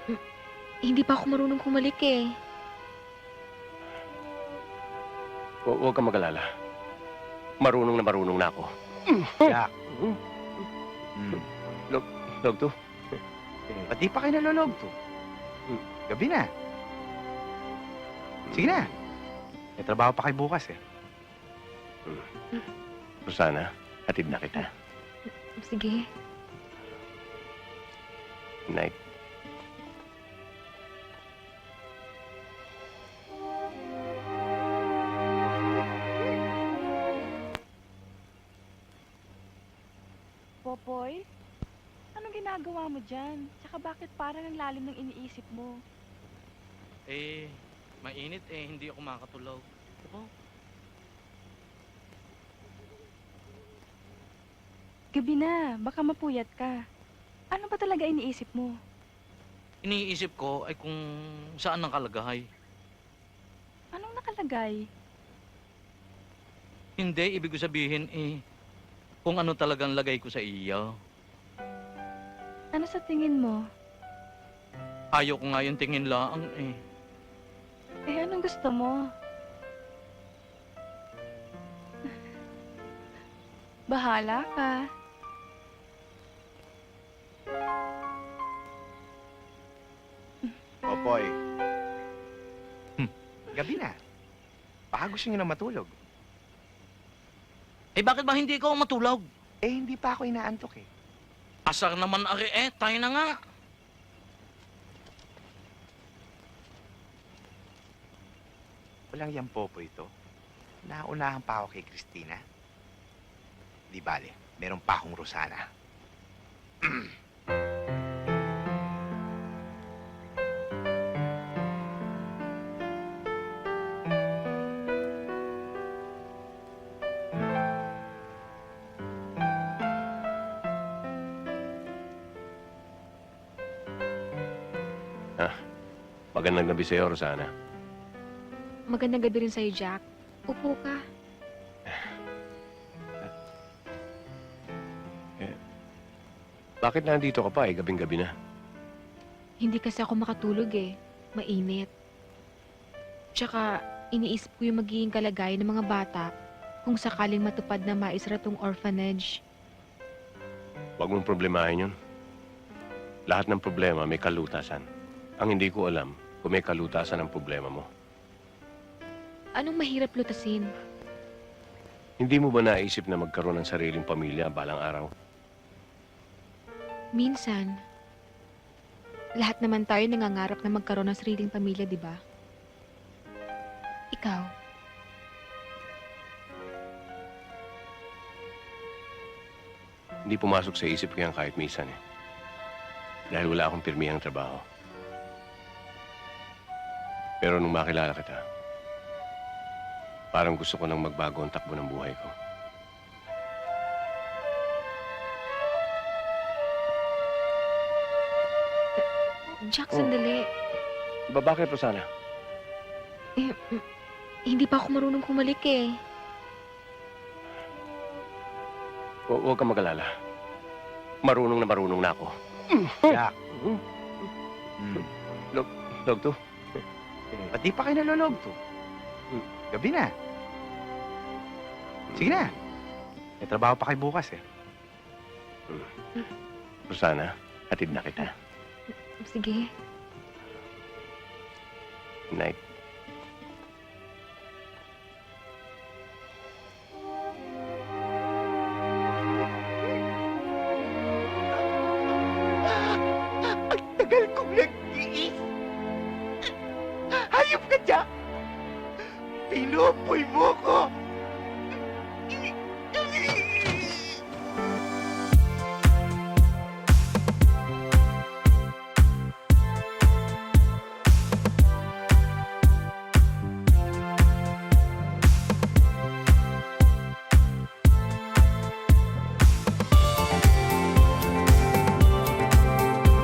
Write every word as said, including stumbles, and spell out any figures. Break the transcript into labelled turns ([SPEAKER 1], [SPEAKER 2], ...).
[SPEAKER 1] Mm, Hindi pa ako marunong kumalik eh.
[SPEAKER 2] Hu- Huwag kang mag-alala. Marunong na marunong na ako.
[SPEAKER 3] Jack.
[SPEAKER 2] Hmm?
[SPEAKER 3] Hmm.
[SPEAKER 2] Log to?
[SPEAKER 3] Ba't di pa kayo nalolog to?
[SPEAKER 2] Hmm.
[SPEAKER 3] Gabi na. Sige na. May trabaho pa kayo bukas eh.
[SPEAKER 2] Rosana, hatid na kita.
[SPEAKER 1] Sige.
[SPEAKER 2] Night.
[SPEAKER 4] Popoy, anong ginagawa mo dyan? Tsaka bakit parang ang lalim ng iniisip mo?
[SPEAKER 5] Eh, mainit eh, hindi ako makatulog. Diba?
[SPEAKER 4] Gabi na, baka mapuyat ka. Ano ba talaga iniisip mo?
[SPEAKER 5] Iniisip ko ay kung saan ang kalagahay.
[SPEAKER 4] Anong nakalagay?
[SPEAKER 5] Hindi, ibig ko sabihin eh, kung ano talagang lagay ko sa iyo.
[SPEAKER 4] Ano sa tingin mo?
[SPEAKER 5] Ayaw ko nga yung tingin laang eh.
[SPEAKER 4] Eh, anong gusto mo? Bahala ka.
[SPEAKER 3] Popoy. Hmm. Gabi na. Baka gusto nyo na matulog.
[SPEAKER 5] Eh bakit ba hindi ko matulog?
[SPEAKER 3] Eh, hindi pa ako inaantok eh.
[SPEAKER 5] Asar naman ari eh, tayo na nga.
[SPEAKER 3] Walang yan, Popoy ito. Naunahan pa ako kay Christina. Di bale, meron pa akong Rosana.
[SPEAKER 2] Magandang gabi sa'yo, Rosana.
[SPEAKER 1] Magandang gabi rin sa'yo, Jack. Upo ka.
[SPEAKER 2] Bakit nandito ka pa eh, gabing-gabi na?
[SPEAKER 1] Hindi kasi ako makatulog eh. Mainit. Tsaka, iniisip ko yung magiging kalagayan ng mga bata kung sakaling matupad na maisara tong orphanage.
[SPEAKER 2] Huwag mong problemahin yun. Lahat ng problema may kalutasan. Ang hindi ko alam kung may kalutasan ang problema mo.
[SPEAKER 1] Anong mahirap lutasin?
[SPEAKER 2] Hindi mo ba naisip na magkaroon ng sariling pamilya balang araw?
[SPEAKER 1] Minsan, lahat naman tayo nangangarap na magkaroon ng sariling pamilya, di ba? Ikaw,
[SPEAKER 2] Hindi pumasok sa isip ko yan kahit minsan eh. Dahil wala akong pirmihang trabaho. Pero nung makilala kita, parang gusto ko nang magbago ang takbo ng buhay ko.
[SPEAKER 1] Jack,
[SPEAKER 2] Oh.
[SPEAKER 1] sandali.
[SPEAKER 2] Ba, bakit, Rosana?
[SPEAKER 1] Eh, mm, hindi pa ako marunong kumalik eh.
[SPEAKER 2] Hu- Huwag kang mag-alala. Marunong na marunong na ako.
[SPEAKER 3] Jack.
[SPEAKER 2] Hmm?
[SPEAKER 3] Hmm.
[SPEAKER 2] Log to?
[SPEAKER 3] Ba't di pa kayo nalolog to?
[SPEAKER 2] Hmm.
[SPEAKER 3] Gabi na. Sige na. May trabaho pa kayo bukas eh.
[SPEAKER 2] Rosana, hatid na kita.
[SPEAKER 1] Sige.
[SPEAKER 2] Night.
[SPEAKER 3] Ang tagal kong nag-iis. Hayop ka, Jack. Pinupoy mo ko.